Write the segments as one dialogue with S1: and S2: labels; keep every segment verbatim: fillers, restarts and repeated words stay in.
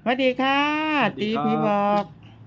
S1: วัสดีค่ะ
S2: สวัสดี
S1: ตี
S2: ครับ
S1: พี่บอก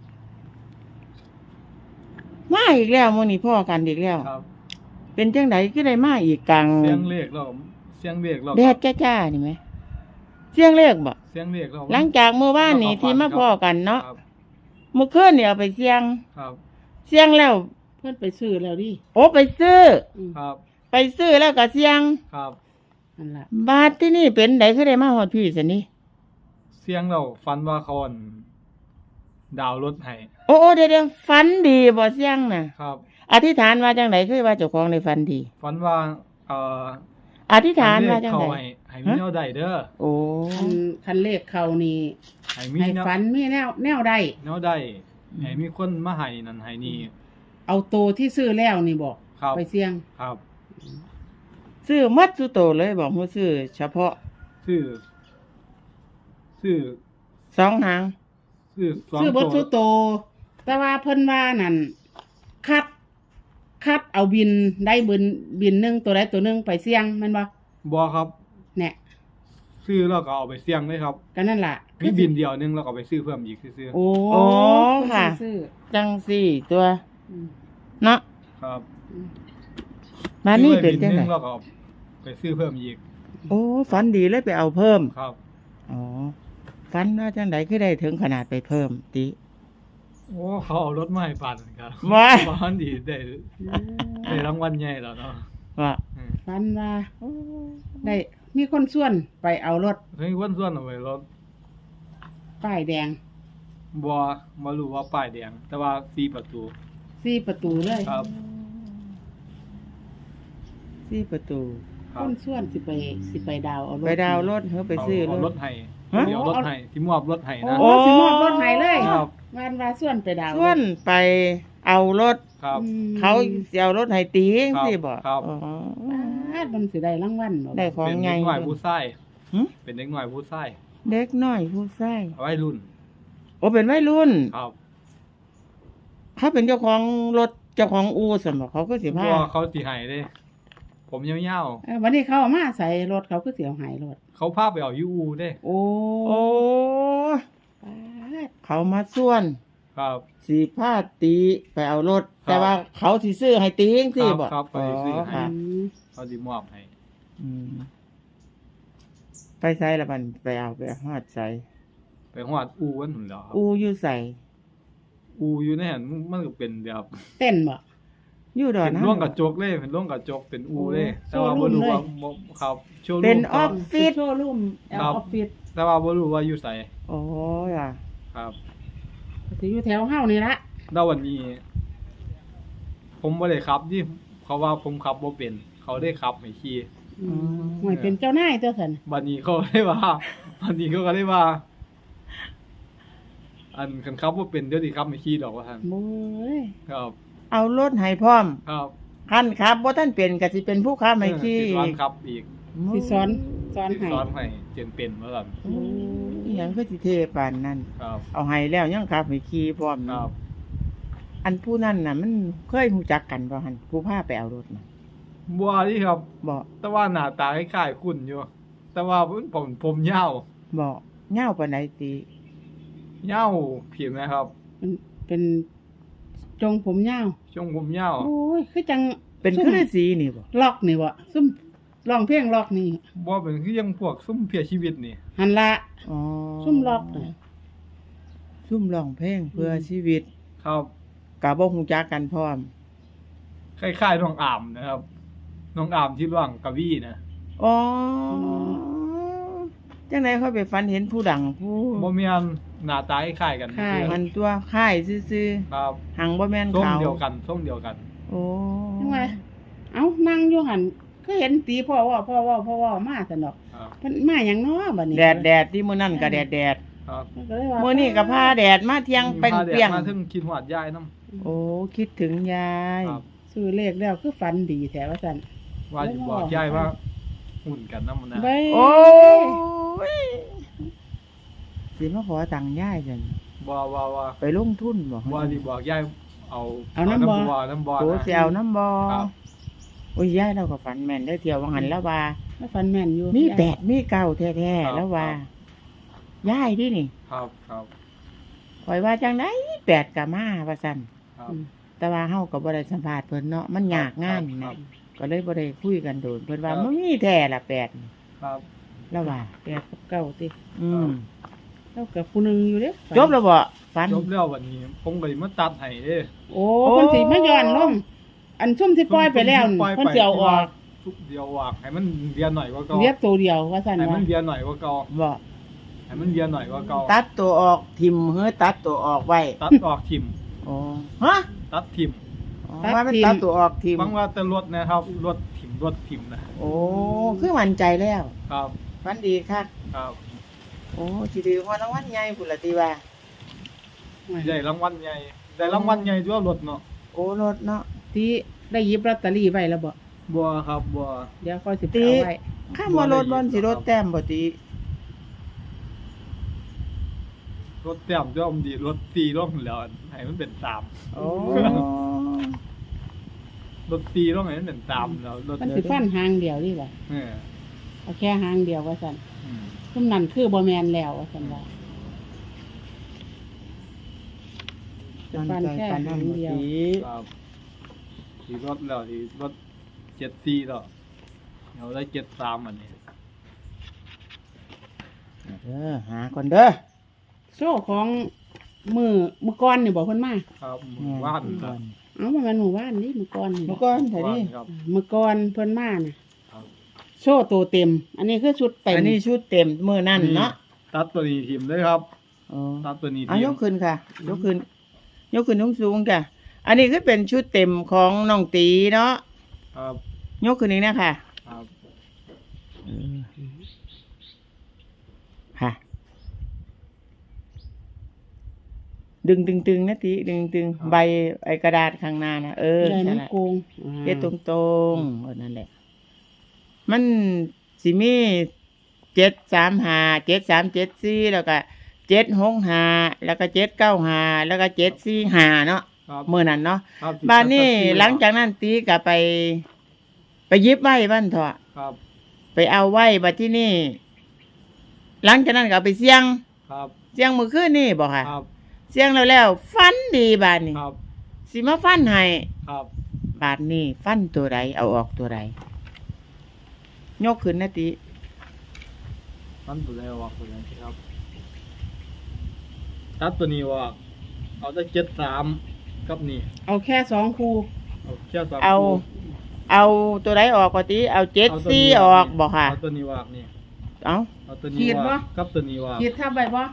S1: มาอีกแล้วมื้อนี้พ่อกันอีกแล้ว
S2: ครับ
S1: เป็นจังไดคือได้มาอีกกลาง
S2: เสียงเลขเราเสียงเลขเรา
S1: แดดจ้าๆนี่ไหมเสียงเลขบ่
S2: เสียงเลขเรา
S1: หลังจากเมื่อวานนี้ที่มาพ่อกันเนาะ
S2: ครับ
S1: เมื่อคืนนี่เอาไปเสียง
S2: ครับ
S1: เสียงแล้ว
S3: เพื่อนไปซื้อแล้วดิ
S1: โอ้ไปซื้อ
S3: อืม
S2: ครับ
S1: ไปซื้อแล้วก็เสียง
S2: ครับ
S3: นั่นล่ะ
S1: บาทที่นี่เป็นไดคือได้มาฮอดพี่ซะนี่
S2: เสียงเราฟันว่าเขาอั่นดาวรถให้
S1: โอ้ๆเดี๋ยวๆฝันดีบ่เสียงน่ะ
S2: ครับ
S1: อธิษฐานว่าจังไดคือว่าเจ้าของได้ฝันดี
S2: ฟันว่าเอ่อ
S1: อธิษฐานว่าจัง
S2: เขา
S1: ได
S2: ให้ให้มีแนวใดเด้อ
S1: โอ้
S3: คันคันเลขเขานี่
S2: ให้มี
S3: ให้
S2: แนว
S3: ฝันมีแนวแนวใด
S2: แนวใดให้มีคนมาให้นั่นให้นี่
S3: เอาโตวที่ซื้อแล้วนี่บอก
S2: ครับ
S3: ไปเสี่ยง
S2: ครับ
S1: ซื้อมัดสุโตเลยบอกว่าซื้อเฉพาะ
S2: ซื้อซื้อ
S1: สองหาง
S2: ซื้อสอง
S3: ซื้อบด
S2: ตัว
S3: ซื้อโตวแต่ว่าเพิ่นว่านั่นคัด คัดเอาบินได้บินบินหนึงตัวใดตัวหนึงไปเสี่ยงแมันบ่
S2: บ่ครับ
S3: เนี่ย
S2: ซื้อแล้วก็เอาไปเสี่ยงเลยครับ
S3: ก็นั่นล่ะ
S2: มีบินเดียวนึงแล้วก็เอาไปซื้อเพิ่มอีกซื้อ
S3: โอ้
S1: โอ้ค่ะ
S3: ซื้อ
S1: จังสี่ตัว
S3: อืม
S1: เนาะ
S2: ๆครับ
S3: อืม
S1: มานี่เป็นจัง
S2: ซื้อ
S1: ได
S2: ว้บิหแล้วก็เอาไปซื้อเพิ่มอีก
S1: โอ้ฝันดีเลยไปเอาเพิ่ม
S2: ครับ
S1: อ๋อฝันว่าจังไดคือได้ถึงขนาดไปเพิ่มติ
S2: โอ้เขาเอารถมาให้ปั่นครับ
S1: ว้า
S2: บ้านดีได้ได้รางวัลใหญ่แล้วเนาะ
S1: ว่า
S2: อืม
S3: ฝันว่า ได้มีคนส่วนไปเอารถ
S2: เฮ้ยวันส่วนเอาไว้รถ
S3: ป้ายแดง
S2: บัวมารู้ว่าป้ายแดง แต่ว่าสี่ประตู
S3: สี่ประตูเลย
S2: ครับ
S1: สี่ประตู
S2: ค
S3: ครับ นส่วนสิไปสิไปดาวเอารถ
S1: ไปดาวน์รถเฮาไปซื้อ
S2: เอา
S1: ร
S2: ร
S1: ถ
S2: ถให้
S1: ฮะ
S2: เดี๋ยวรถให้ที่มอบรถให้
S3: โอ้
S2: นะ
S1: โอ้
S3: สิมอบรถให้เลย
S2: ครับ
S3: วันว่าส่วนไปดาว
S1: ส่วนไปเอารถ
S2: ครับ
S3: อืม
S1: เขาสิเอารถให้ตีจังซี่บ่
S2: ครับ
S1: อ๋อ
S3: ปาดมันสิได้รางวัลบ่
S1: ได้ของ
S2: เป็น
S1: ใหญ่
S2: เด็กหน่อยผู้ชาย
S1: หึ
S2: เป็นเด็กหน่อยผู้ชาย
S1: เด็กน้อยผู้ชาย
S2: เอาไว้รุ่น
S1: โอ้เป็นวัยรุ่น
S2: ครับ
S1: เขาเป็นเจ้าของรถเจ้าของอู่สมบอกเขาก็สิ
S2: เพ
S1: พา
S2: ราะว่าเขาสิให้เด้ ผมยาว
S3: เอ้อวันนี้เขาเอามาใส่รถเขาคือสิเอาใหายรถ
S2: ๆเขาพาไปเอายูอูเด้
S3: โอ้
S1: โอ้
S3: ปาด
S1: เขามาส่วน
S2: ครับ
S1: สีพาตีไปเอารถ
S2: ครับ
S1: แต่ว่าเขาสิซื้อให้ตีจังซี่บ่
S2: ครับครับไปซื้อให้
S1: ค่ะ
S3: อืม
S2: เขาสิมอบให้
S1: อืมไปใส่ละบันไปเอาไปฮอดใส่
S2: ไปฮอดอูวันหุ่นแล้วครับ
S1: อูอยู่ใส่
S2: อูอยู่ในหันมันก็เป็นแบบ
S3: เต้นบ่
S1: อยู่ดอน
S2: เป็น
S1: นะ
S2: ร่วงกระจกเลยเป็นร่วงกระจกเป็นอูเลย
S3: โอ้
S2: แต่ว่าบ่รู้ว่า
S3: โชว์รูมเลย
S2: บ่ครับโชว์รูม
S1: เป็นอ
S2: ค
S1: อ
S2: รับ
S1: ฟฟิศ
S3: โชว์รูมแอล
S2: ครับ
S3: ออฟฟิศ
S2: แต่ว่าบ่รู้ว่าอยู่ไส
S1: โอ้ยอ่ะ
S2: ครับ
S3: สิอยู่แถวเฮานี่ละ
S2: แล้ววันนี้ ผมบ่ได้ขับที่เขาว่าผมขับบ่เป็น เขาได้ขับให้ขี่
S3: อืมหวยเป็นเจ้านายตัวซั่น
S2: บัดนี้เขาได้ว่า บัดนี้เขาก็ได้ว่า อันคันขับบ่เป็นเดี๋ยวสิขับให้ขี่ดอกว่าซั่น
S3: โอ้ย
S2: ครับ
S1: เอารถให้พร้อม
S2: ครับ
S1: คันครับบ่ท่านเป็นก็สิเป็นผู้ค้าไม่ขี้
S2: เออสิสอนขับอีก
S3: สิสอนสอน
S2: สิ
S3: ให้
S2: สอนให้เจนเป็นว่าซั่น
S1: โอ้ยอิหยังคือสิเทปานนั้น
S2: ครับ
S1: เอาให้แล้วยังขับให้ขี่พร้อม
S2: ครับ
S1: อันผู้นั้นน่ะ มันเคยรู้จักกันบ่หั่นผู้พาไปเอารถน่ะ
S2: บัวนี่ครับ
S1: บ่
S2: แต่ว่าหน้าตาคล้ายๆคุณอยู่ แต่ว่าผมผมยาว
S1: บ่เหย้าปานใดติ
S2: ยาวผิวนะครับ
S3: เป็นเป็นจงผมยาว
S2: ช่วงผมยาว
S3: โอ้ยคือจัง
S1: เป็น
S3: ซุ่ม
S1: คือฤาษีนี่บ่
S3: ล็อกนี่บ่ซุ่มร้องเพลงล็อกนี่
S2: บ่เป็นคือยังพวกซุ่มเพียชีวิตนี่
S3: หันละ
S1: อ๋อ
S3: ซุ่มล็อกน่ะ
S1: ซุ่มร้องเพลงเพื่อชีวิต
S2: ครับ
S1: ก็บ่ฮู้จักกันพร้อม
S2: คล้ายๆน้องอามนะครับ น้องอามที่ร่วงกะวี่นะ
S1: อ๋อจังได๋เขาไปฝันเห็นผู้ดังผู้
S2: บ่แม่นหน้าตาคล้ายๆกัน
S3: คล้าย
S1: มันตัวค่ายซื่อ
S2: ครับ
S1: ๆหังบ่แม่น
S2: ส้ม
S1: เขา
S2: เดียวกันส้มเดียวกัน
S1: โอ้
S3: จังว่าเอ้านั่งอยู่หันก็เห็นตีพ่อว่าพ่อว่าพ่อว่ามาซั่นดอก
S2: ครับ
S3: เพิ่นมาหยังน้อบัดนี้
S1: แดดแดดที่มื้อนั้นก็แดดแดด
S2: ครับ
S3: ก็เลยว่า
S1: มื้อนี้ก็พาแดดมาเที่ยงเป
S2: มีพาแดด
S1: รี้ยง
S2: มาถึงคิดฮอดยายนำ
S1: โอ้คิดถึงยาย
S2: ครับ
S3: ซื้อเลขแล้วคือฝันดีแท้ว่าซั่น
S2: ว่าสิบอกยายว่าหุ่นกันนำนะ
S3: เบ้ย
S1: โอ้ยสิมาขอตังค์ยายจัง
S2: บ่ว่าว่า
S1: ไปลงทุนบ่
S2: ว่าสิบอกยายเอา
S3: เอาน้ำบ่
S2: บ่น้ำบ่
S1: โต
S2: นะ
S1: สิเอาน้ำบ่
S2: ครับ
S1: โอ้ยยายเราก็ฝันแม่นได้อเที่ยวว่าหันแล้วว่า
S3: มาฝันแม่นอยู่
S1: มี
S3: ยาย
S1: แปดมีเก้าแท้
S2: ครับ
S1: ๆแล้วว่า
S2: ค
S1: ยายดินี่
S2: ครับครับ
S1: ข่อยว่าจังได๋แปดก็มาว่าซั่น
S2: ครับ
S3: อืม
S1: แต่ว่าเฮาก็บ่ได้สัมภาษณ์เพิ่นเนาะมันยากงาน
S2: ครั
S1: นะ
S2: บ
S1: ก็เลยบ่ได้คุยกันโดนเพิ่นว่า
S2: ครับ
S1: มันมีแท้ล่ะแปดนี่
S2: ครับ
S1: แล้วว่า
S3: แปดกับเก้าติ
S1: อืม
S3: แล้วกับผู้หนึงอยู่เด้
S1: จบแล้วบ่ฝัน
S2: จบแล้ววันนี้ ผมก็เลยมาตัดให้เด้
S3: โอ้
S1: โอ้
S3: เพิ่นสิมาย้อนลงอันซุ่มที่ปล่อยไปแล้วนี่
S2: ปล่อย
S3: เพิ่น
S2: ไป
S3: สิเอาออก
S2: ทุกเดียวออกให้มันเรียนหน่อยกว่าเก่า
S3: เรียบตัวเดียวว่าซั่น
S2: ให้
S3: ว่า
S2: มันเรียนหน่อยกว่าเก่า
S1: บ่
S2: ให้มันเรียนหน่อยกว่าเก่า
S1: ตัดตัวออกทิ่มเฮ้อตัดตัวออกไว้
S2: ตัดออกทิม
S1: อ๋อฮะ
S2: ตัดทิม
S1: อ๋อว่ามันตัดตัวออกทิ่ม
S2: ฟังว่าแต่รถนะครับรถทิมรถทิมนะ
S1: โอ้คือมั่นใจแล้ว
S2: ครับ
S1: ฝันดีคัก
S2: ครับ
S1: โอ้สิถือว่ารางวัลใหญ่พุ่นล่ะติว่า
S2: ได้รางวัลใหญ่ได้รางวัลใหญ่ด้วยรถเนาะ
S1: โอ้รถเนาะ
S3: ที่ได้หยิบลอตเตอรี่ไว้แล้วบ่
S2: บัวครับบัว
S3: เดี๋ยวค่อยสิไป
S1: ติ
S3: เอาไว้
S1: ข้ามว่ารถบ่สิรถแต้มบ่ติ
S2: รถเต็มด้วยอมดีรถตีร่องแล้วให้มันเป็นสาม
S1: โอ้
S2: รถตีร่องให้มันเป็นสามแล้วรถ
S3: มันสิฟันหางเดียวนี่บ่
S2: เออ
S3: เอาแค่หางเดียวว่าซั่น
S2: อืม
S3: ซุ่มนั้นคือบ่แม่นแล้วว่าซั่นว่า
S1: มั่นใจปานนั้นบ่ติ
S2: ครับที่รถแล้วที่รถเจ็ดสี่แล้วเดี๋ยวได้เจ็ดสามอันนี้
S1: เด้อหาก่อนเด้อ
S3: โซ่ของมือมือก่อนนี่บ่เพิ่นมา
S2: ครับหมู่บ้านครับ
S3: เอ้ามันเป็นหมู่บ้านนี่มือก่อนนี่
S1: เมื่อก่อนไถดิ
S2: ครับ
S3: มือก่อนเพิ่นมาน่ะ
S2: ครับ
S3: โซ่ตัวเต็ม อันนี้คือชุดเต็ม
S1: อันนี้ชุดเต็มมื้อนั้นเนาะ
S2: ตัดตัวนี้ทีมเลยครับ
S1: อ๋อ
S2: ตัดตัวนี้
S1: เอา
S2: ที
S1: ย
S2: ม
S1: กขึ้นค่ะ ยกขึ้น ยกขึ้นสูงๆจ้ะอันนี้คือเป็นชุดเต็มของน้องตีเนาะ
S2: ครับ
S1: ยกขึ้นนี้นะค่ะ
S2: ครับ
S1: ค่ะ ดึงตึงตึงๆนะตีดึงตึงใบไอกระดาษข้างหน้านะเออ
S3: ใหญ่
S1: ใช่
S3: มัน
S1: ละ
S3: โกง
S1: เฮ็ดตรงตรงๆเออนั่นแหละ มันสิมีเจ็ดสามห้าเจ็ดสามเจ็ดสี่แล้วก็เจ็ดหกห้าแล้วก็เจ็ดเก้าห้าแล้วก็เจ็ดสี่ห้าเนาะ
S2: ครับ
S1: เมื่อนั้นเนาะ
S2: ครับ
S1: บ้านนี้
S2: ตัดตัว
S1: หลังจากนั้นตีก็ไป ไปหยิบไว้บ้านเถอะ
S2: ครับ
S1: ไปเอาไว้บัดที่นี่ หลังจากนั้นก็เอาไปเสี่ยง
S2: ครับ
S1: เสี่ยงมื้อคืนนี่บ่ค่ะ
S2: ครับ
S1: เสี่ยงแล้วแล้วฟันดีบาดนี้
S2: ครับ
S1: สิมาฟันให้
S2: ครับ
S1: บาดนี้ฟันตัวใดเอาออกตัวใดยกขึ้นนะติ
S2: ตัดตัวแล้วว่าตัวนี้ครับตัดตัวนี้ว่าเอาได้เจ็ดสามกับนี่
S3: เอาแค่สองคู่
S2: เอาแค่สาม
S1: เอา
S2: คู่
S1: เอาตัวใดออกก็ติเอาเจ็ด
S2: เอาตัว
S1: สี่
S2: นี้
S1: ออกบ่ค่ะ
S2: เอาตัวนี้ว่านี่
S1: เอา
S2: เอาตัวนี้ว่ากับตัวนี้ว่า
S3: คิดทับไว้บ่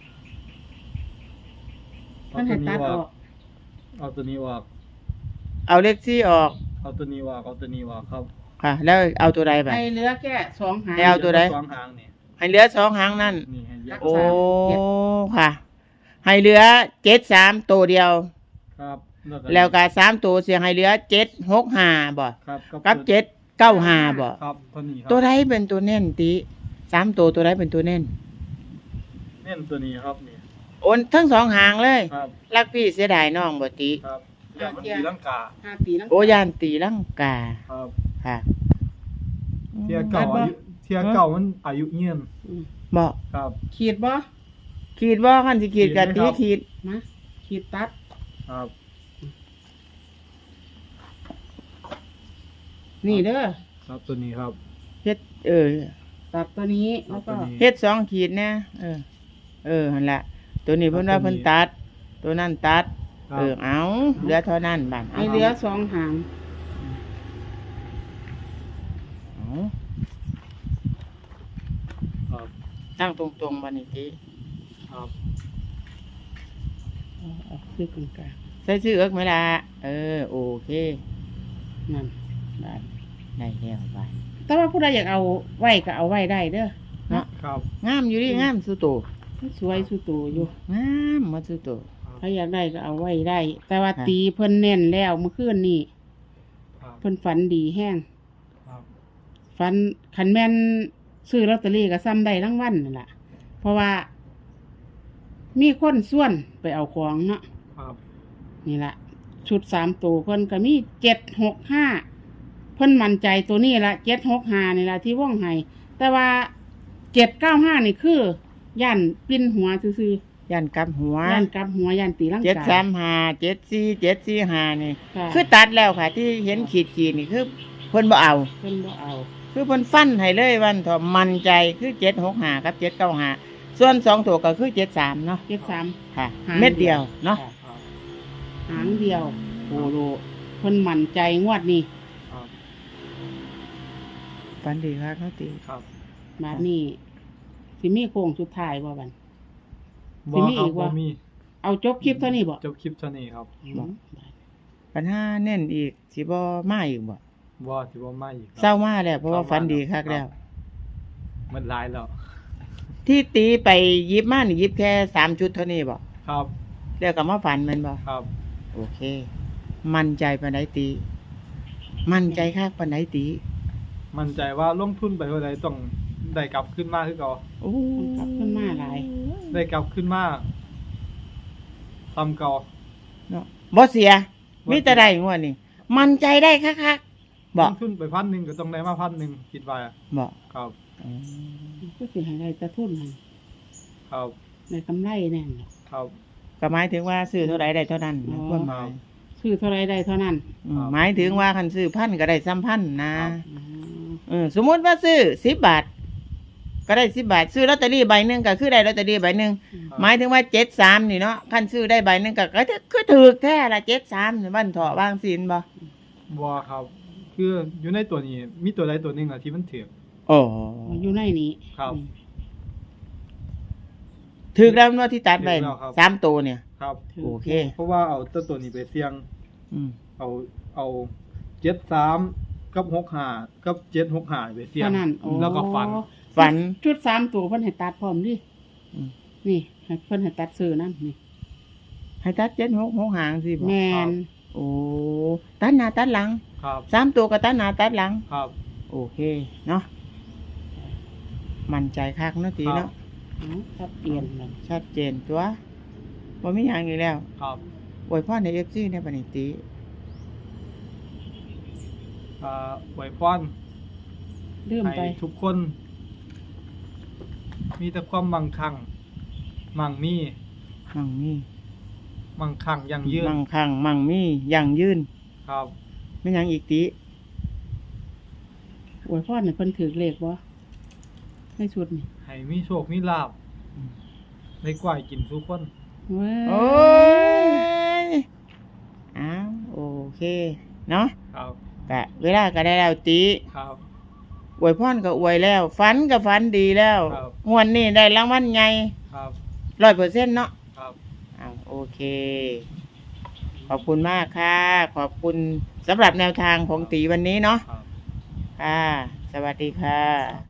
S3: มันให้ตัดออก
S2: เอาตัวนี้ว่า
S1: เอาเลขสี่ออก
S2: เอาตัวนี้ว่าเอาตัวนี้ว่าครับ
S1: ค่ะ แล้วเอาตัวใดไป
S3: ให้เหลือแค่สองหาง
S1: ให้เอาตัวใด
S2: สองหางนี่
S1: ให้เหลือสองหางนั่น
S2: นี่ให้เยอะ
S1: โอ้
S3: เจ็ด
S1: ค่ะ ให้เหลือเจ็ดสามตัวเดียว
S2: ครับ
S1: แล้วก็สามตัวเสียงให้เหลือเจ็ดหกห้าบ่
S2: ครับ
S1: กับเจ็ดเก้าห้าบ่
S2: ครับตัวนี้ครับ
S1: ตัวใดเป็นตัวเน่นติสามตัวตัวใดเป็นตัวเน่น
S2: เน้นตัวนี้ครับนี่
S1: โอนทั้งสองหางเลย
S2: ครับ
S1: รักพี่เสียดายน้องบ่ติ
S2: ครับอย่ามันตีลังกา
S3: ห้าปีนั่ง
S1: โอยานตีลังกา
S2: ครับ
S1: ค่ะ
S2: เทียเก่าอายุเทียเก่ามันอายุเงียน
S3: อืม
S1: บ่
S2: ครับ
S3: ขีดบ่
S1: ขีดบ่คันสิขีดกะ
S2: ขี
S1: ตี
S2: ดไหมครับ
S1: ขีด
S3: นะขีดตัด
S2: ครับ
S3: นี่เด้อ
S2: ครับตัวนี้ครับ
S1: เฮ็ดเออ
S3: ตัดตัวนี้แล้วก็
S2: ตัวนี้
S1: เฮ็ดสองขีดนะเออ เออหั่นล่ะตัวนี้เพิ่นว่า
S2: ตัวนี้
S1: เพิ่นตัด ตัวนั้นตัด
S2: ครับ
S1: เออเอาเหลือเท่านั้นบาด
S3: ให้เหลือสองหาง
S1: เอา
S2: ครับ
S1: ตั้งตรงๆบัดนี้ติ
S2: ครับ
S3: เอาเอาคือกลาง
S1: ใส่ชื่อเอิกไหมล่ะเออโอเค
S3: ๆนั่นได้
S1: ได้แล้วบาด
S3: แต่ว่าผู้ใดอยากเอาไว้ก็เอาไว้ได้เด้อ
S1: เนาะ
S2: ครับ
S1: งามอยู่ดิงามสุโต
S3: สวยสุดโตอยู่
S1: งามมาสุโต
S3: ถ้าอยากได้ก็เอาไว้ได้ แต่ว่า
S1: ค่ะ
S3: ตีเพิ่นแน่นแล้วเมื่อคืนนี่
S2: ครับ
S3: เพิ่นฝันดีแห้ง
S2: ครับ
S3: ฝันคันแม่นซื้อลอตเตอรี่ก็ซ้ำได้รางวัลนั่นล่ะ เพราะว่า มีคนส่วนไปเอาของเนาะ
S2: ครับ
S3: นี่ล่ะ ชุดสามตัวเพิ่นก็มีเจ็ดหกห้าเพิ่นมั่นใจตัวนี้ละเจ็ดหกห้านี่ล่ะที่ว่องไห้แต่ว่าเจ็ดเก้าห้านี่คือย่านปิ้นหัวซื่อ
S1: ยันกลับหัว
S3: ๆย่านกลับหัวย่านตีลังกา
S1: เจ็ดสามห้าเจ็ดสี่เจ็ดสี่ห้านี่
S3: ค่ะ
S1: คือตัดแล้วค่ะ ที่เห็นขีดขีดๆนี่คือเพิ่นบ่เอา
S3: เพิ่นบ่เอา
S1: คือเพิ่นฟันให้เลยวันเถอะมั่นใจคือเจ็ดหกห้ากับเจ็ดเก้าห้าส่วนสองตัวก็คือเจ็ดสามเนาะ
S3: เจ็ดสาม
S1: ค่ะ
S3: หาง
S1: เม็ดเดียวเนาะ
S3: ค่ะ
S2: ครับ
S3: หางเดียวโอ้โหเพิ่นมั่นใจงวดนี้
S2: ครับ
S1: ฟันดีครับเขาตี
S2: ครับ
S3: บาดนี้สิมีโค้งสุดท้ายบ่บัด สิ
S2: บ่
S3: มี
S2: ครั
S3: อี
S2: บ
S3: ก
S2: บ่
S3: วะ
S2: มี
S3: เอาจบคลิปเท่านี้บ่
S2: จบคลิปเท่านี้ครับ
S3: อืม
S1: ปัญหาแน่นอีกสิบ่มาอีกบ่
S2: บ่สิบ่มาอีกคบ
S1: เศร้ามาแล้วเพราะว่าฟันดีคักแล้ว
S2: มันหลายแล้ว
S1: ที่ตีไปยิบมานี่ยิบแค่สามชุดเท่านี้บ่
S2: ครับ
S1: แล้วก็มาฝันแมันบ่
S2: ครับ
S1: โอเค มั่นใจปานใดตี มั่นใจคักปานใดตี
S2: มั่นใจว่าลงทุนไปเท่าใดต้องได้กลับขึ้นมาคือเก่า
S1: โอ้
S3: กลับขึ้นมาหลาย
S2: ได้กลับขึ้นมาทำเก่า
S1: เนาะบ่เสีย
S2: บ่
S1: มีแต่ได้งวดนี่มั่นใจได้คักๆบ่
S2: ลงทุนไปพันหนึ่งก็ต้องได้มาพันหนึ่งคิดว่า
S1: บ่
S2: ครับ
S1: อืม
S3: ก็สิให้ได้แตะทุนนั่น
S2: ครับ
S3: ได้กำไรแน่นอน
S2: ครับ
S1: ก็หมายถึงว่าซื้อเท่าใดได้เท่านั้น
S3: อ๋อ
S1: ความหมาย
S3: ซื้อเท่าไรได้เท่านั้น
S1: อืม
S2: ครับ
S1: หมายถึงว่าคันซื้อพันก็ได้ซ้ำพันนะ
S2: ครับ
S3: อ๋อ
S1: เออสมมุติว่าซื้อสิบบาท ก็ได้สิบบาท ซื้อลอตเตอรี่ใบหนึ่งก็คือได้ลอตเตอรี่ใบหนึ่ง
S2: ครับ
S1: หมายถึงว่าเจ็ดสามนี่เนาะคันซื้อได้ใบหนึ่งก็ก็คือถือแท้ละเจ็ดสามนี่บ้านเถาะบางสินบ่
S2: บ่ครับ คืออยู่ในตัวนี้มีตัวใดตัวหนึ่งอะที่มันถือ
S1: โอ้
S3: อยู่ในนี้
S2: ครับ
S3: อืม
S1: ถือแล้วเนาะที่ตัดไป
S2: ถือแล้วครับ
S1: สามตัวเนี่ย
S2: ครับ
S1: โอเค
S2: เพราะว่าเอาตัวตัวนี้ไปเสี่ยง
S1: อืม
S2: เอาเอาเจ็ดสามกับหกห้ากับเจ็ดหกห้าไปเสี่ยง
S3: เท่านั้นโอ้
S2: แล้วก็ฟัน
S1: ฝัน
S3: ชุดสามตัวเพิ่นให้ตัดพร้อมดิ
S1: อืม
S3: นี่ให้เพิ่นให้ตัดซื้อนั่นนี่
S1: ให้ตัดเจ็ดหกหกหางสิบ่
S3: แมน
S1: โอ้ตัดหน้าตัดหลัง
S2: ครับ
S1: สามตัวก็ตัดหน้าตัดหลัง
S2: ครับ
S1: โอเคเนาะมั่นใจคักเนาะตีเนาะ
S3: เอาชัดเจนเลย
S1: ชัดเจนตัวบ่มีหยังอีกแล้ว
S2: ครับ
S1: อวยพรใน เอฟ ซี ในปณิติ
S2: อ่าไหวพร
S3: ลืม
S2: ให้
S3: ไป
S2: ทุกคน มีแต่ความมั่งคั่งมั่งมี
S1: มั่งมี
S2: มั่งคั่งยั่งยืน
S1: มั่งคั่งมั่งมียั่งยืน
S2: ครับ
S1: ไม่หยังอีกติ
S3: อวยพรให้เพิ่นถือเลขบ่ในชุดนี่
S2: ให้มีโชคมีลาภได้กล้วยกินทุกคน
S3: เว้ย
S1: โอ้ยอ้าวโอเคเนาะ
S2: ครับ
S1: กะเวลาก็ได้แล้วติ
S2: ครับ
S1: อวยพรก็อวยแล้ว ฝันก็ฝันดีแล้ว
S2: ครับ
S1: งวดนี้ได้รางวัลใหญ่
S2: ครับ
S1: ร้อยเปอร์เซ็นต์เนาะ
S2: ครับ
S1: อ้าวโอเค ขอบคุณมากค่ะ ขอบคุณสำหรับแนวทางของตีวันนี้เนาะ
S2: ครับ
S1: ค่ะ สวัสดีค่ะ